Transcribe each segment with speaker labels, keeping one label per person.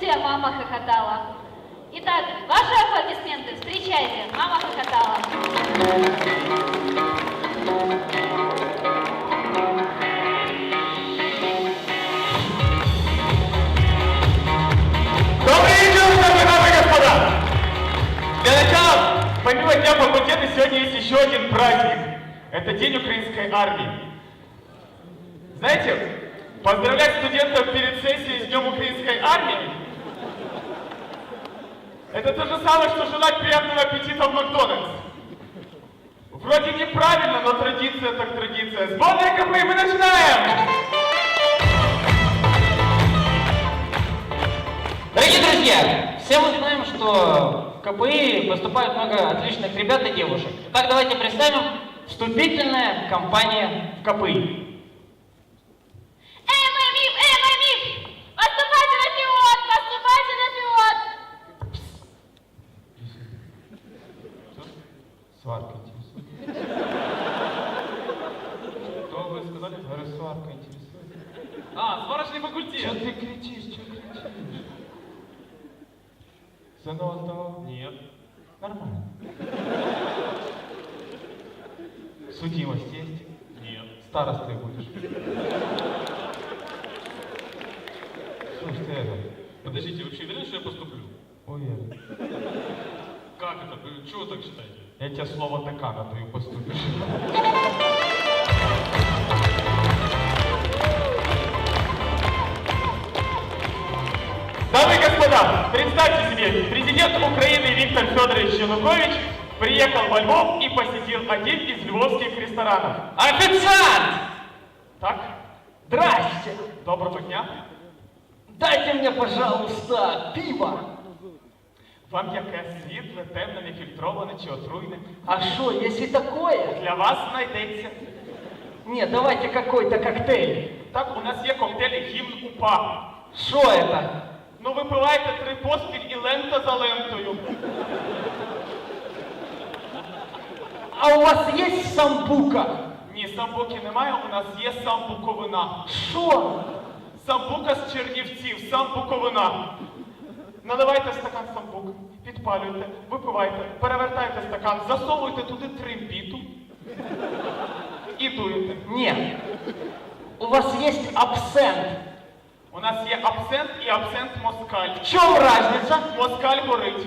Speaker 1: вся мама хохотала. Итак, ваши аплодисменты. Встречайте, мама хохотала.
Speaker 2: Добрый вечер, дамы и господа! Для начала, помимо Дня факультета, сегодня есть еще один праздник. Это День украинской армии. Знаете, поздравлять студентов перед сессией с Днем украинской армии — это то же самое, что желать приятного аппетита в Макдональдс. Вроде неправильно, но традиция так традиция. Сборная КПИ, мы начинаем!
Speaker 3: Дорогие друзья, все мы знаем, что в КПИ поступает много отличных ребят и девушек. Итак, давайте представим вступительная кампания в КПИ.
Speaker 1: ММИФ! Поступайте на пилот! Поступайте на пилот!
Speaker 2: Сварка интересует. Что вы сказали? Говорю, сварка интересует. А, сварочный факультет. Что ты кричишь? Что кричишь? Сынок сдавал? Нет. Нормально. Судимость есть? Нет. Старостой будешь? Слушай, ты
Speaker 4: Подождите, вы вообще уверены, что я поступлю?
Speaker 2: уверен.
Speaker 4: Как это? Вы чего вы так считаете?
Speaker 2: Я тебе слово декана даю, поступишь. Дамы и господа, представьте себе, президент Украины Виктор Федорович Янукович приехал во Львов и посетил один из львовских ресторанов.
Speaker 3: Официант!
Speaker 2: Так,
Speaker 3: Здрасте!
Speaker 2: доброго дня.
Speaker 3: Дайте мне, пожалуйста, пиво!
Speaker 2: Вам яке світле, темне, нефільтроване чи отруйне?
Speaker 3: А что, есть и такое?
Speaker 2: Для вас знайдеться.
Speaker 3: Нет, давайте какой-то коктейль.
Speaker 2: Так, у нас є коктейль гімн УПА.
Speaker 3: Что это?
Speaker 2: Ну, випиваєте 3 поспіль і лента за лентою.
Speaker 3: А у вас есть самбука?
Speaker 2: Ні, самбуки немає, у нас є самбуковина.
Speaker 3: Что?
Speaker 2: Самбука з Чернівців, самбуковина. Наливайте стакан самбук, підпалюйте, випивайте, перевертайте стакан, засовуйте туди трембіту і дуєте.
Speaker 3: Нет. У вас есть абсент.
Speaker 2: У нас є абсент і абсент москаль.
Speaker 3: В чем разница?
Speaker 2: Москаль горить.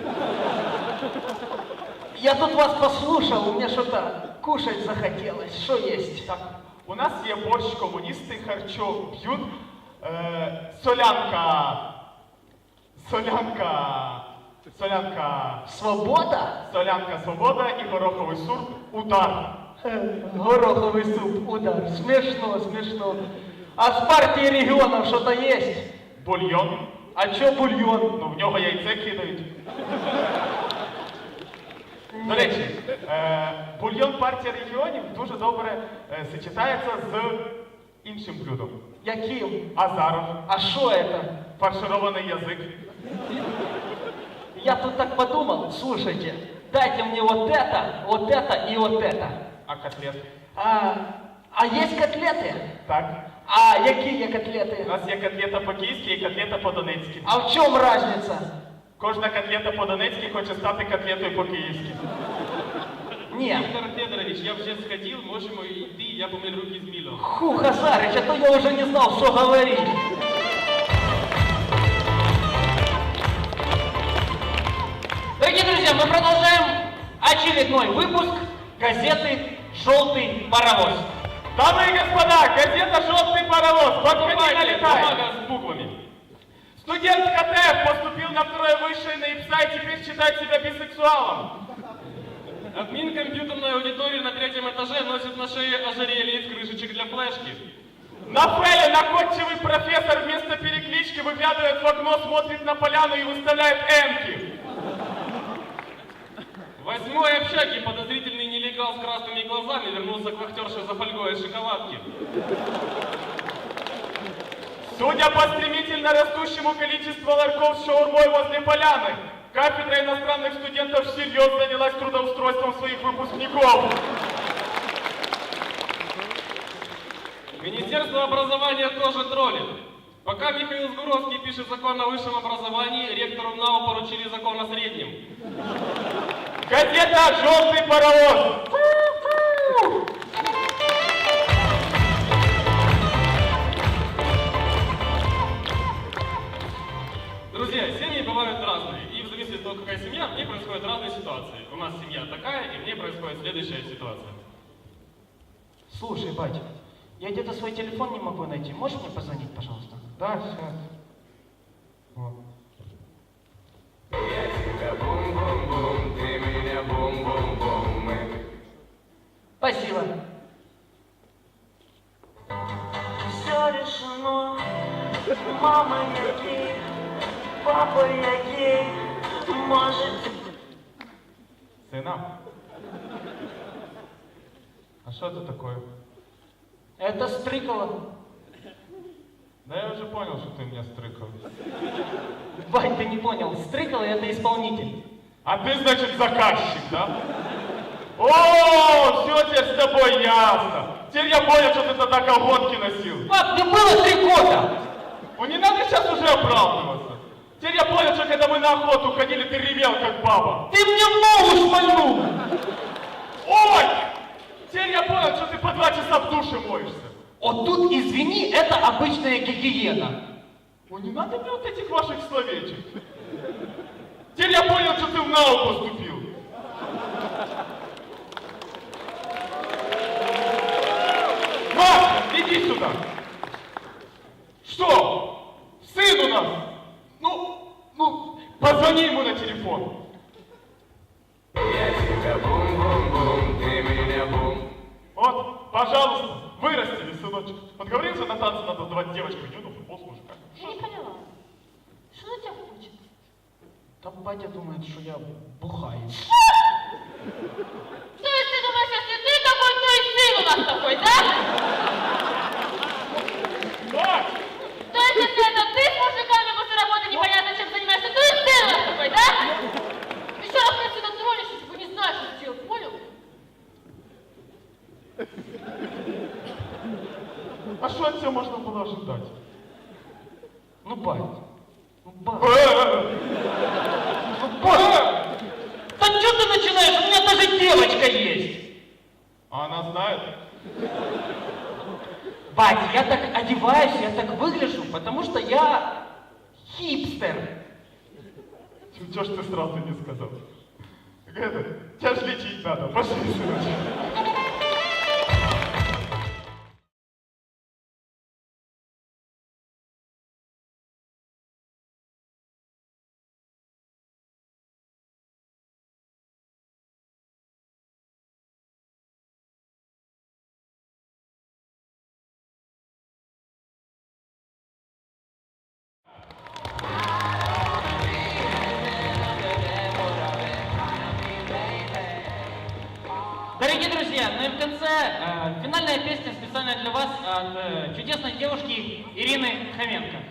Speaker 3: Я тут вас послушал, мне что-то кушать захотелось. Что есть?
Speaker 2: Так, у нас є борщ, комуністи харчо б'ють, солянка,
Speaker 3: Свобода?
Speaker 2: солянка свобода і гороховий суп удар.
Speaker 3: Гороховый суп, удар. Смешно, смешно. А с партии регионов что-то есть?
Speaker 2: Бульйон.
Speaker 3: А чё бульон?
Speaker 2: Ну, в нього яйце кидають. До речі, бульйон партії регіонів дуже добре сочетається з іншим блюдом.
Speaker 3: Яким?
Speaker 2: Азаров.
Speaker 3: А что это?
Speaker 2: Фарширований язик.
Speaker 3: Я тут так подумал, слушайте, дайте мне вот это и вот это.
Speaker 2: А котлет?
Speaker 3: А есть котлеты?
Speaker 2: Так.
Speaker 3: А какие
Speaker 2: У
Speaker 3: котлеты?
Speaker 2: нас є котлета по-київськи і котлета по-донецьки.
Speaker 3: А в чем разница?
Speaker 2: Кожна котлета по-донецьки хоче стати котлетою по-київськи.
Speaker 3: Нет.
Speaker 4: Виктор Федорович, я вже сходил, можемо йти, я помив руки з милом.
Speaker 3: Ху, Хазарыч, а то я уже не знал, что говорить. Дорогие друзья, мы продолжаем очередной выпуск газеты «Желтый паровоз».
Speaker 2: Дамы и господа, газета «Желтый паровоз». Подходи, налетай.
Speaker 4: Бумага с буквами.
Speaker 2: Студент КТ поступил на второе высшее на ИПСА и теперь считает себя бисексуалом.
Speaker 4: Админ компьютерной аудитории на 3-м этаже носит на шее ожерелье из крышечек для флешки.
Speaker 2: На Феле находчивый профессор вместо переклички выглядывает в окно, смотрит на поляну и выставляет эмки.
Speaker 4: В 8-й общаге подозрительный нелегал с красными глазами вернулся к вахтерше за фольгой из шоколадки.
Speaker 2: Судя по стремительно растущему количеству ларьков с шаурмой возле поляны, кафедра иностранных студентов всерьез занялась трудоустройством своих выпускников.
Speaker 4: Министерство образования тоже троллит. Пока Михаил Сгуровский пишет закон о высшем образовании, ректору НАУ поручили закон о среднем.
Speaker 2: Газета «Желтый паровоз».
Speaker 4: Друзья, семьи бывают разные, и в зависимости от того, какая семья, в ней происходят разные ситуации. У нас семья такая, и в ней происходит следующая ситуация.
Speaker 3: Слушай, батя, я где-то свой телефон не могу найти. Можешь мне позвонить, пожалуйста?
Speaker 2: Да, сейчас. Вот.
Speaker 5: Я тебя бум-бум-бум, ты меня бум-бум-бум.
Speaker 3: Спасибо.
Speaker 6: Все решено, мама я гей, папа я гей, можете...
Speaker 2: Сына. А что это такое?
Speaker 3: Это Стрыкало.
Speaker 2: Да я уже понял, что ты меня стрыкал.
Speaker 3: Бать, ты не понял. Стрыкало — это исполнитель.
Speaker 2: А ты, значит, заказчик, да? О, все теперь с тобой ясно. Теперь я понял, что ты тогда колготки носил.
Speaker 3: Пап, мне было 3 года!
Speaker 2: Ну не надо сейчас уже оправдываться. Теперь я понял, что когда мы на охоту ходили, ты ревел, как баба.
Speaker 3: Ты мне в ногу шмальнул!
Speaker 2: Ой! Теперь я понял, что ты по 2 часа в душе моешься.
Speaker 3: Вот тут, извини, это обычная гигиена.
Speaker 2: Ну не надо мне вот этих ваших словечек. Теперь я понял, что ты в НАУ поступил. Маша, иди сюда. Что? Сын у нас. Ну, позвони ему на телефон.
Speaker 5: Я тебя бум-бум-бум, ты меня бум.
Speaker 2: Вот, пожалуйста, вырастили, сыночек. Вот говорится, на танцы надо давать девочку, юну, футбол с мужиками.
Speaker 1: Я не поняла. Что на тебя хочет?
Speaker 3: Там батя думает, что я бухаю.
Speaker 1: То есть ты думаешь, если ты такой, то и сын у нас такой, да?
Speaker 2: Дочь!
Speaker 1: То есть если это ты с мужиками после работы непонятно чем занимаешься, то и сын у нас такой, да? Еще раз меня сюда тронешь, если бы не знаешь, что делать, понял?
Speaker 2: А что от тебя можно было ожидать?
Speaker 3: Ну, бать. Ну, бать.
Speaker 2: Ну, боже!
Speaker 3: Да что ты начинаешь? У меня даже девочка есть.
Speaker 2: А она знает?
Speaker 3: Бать, я так одеваюсь, я так выгляжу, потому что я хипстер.
Speaker 2: Чего ж ты сразу не сказал? Это, тебя ж лечить надо, пошли, сыночек.
Speaker 3: Дорогие друзья, ну и в конце финальная песня специально для вас от чудесной девушки Ирины Хоменко.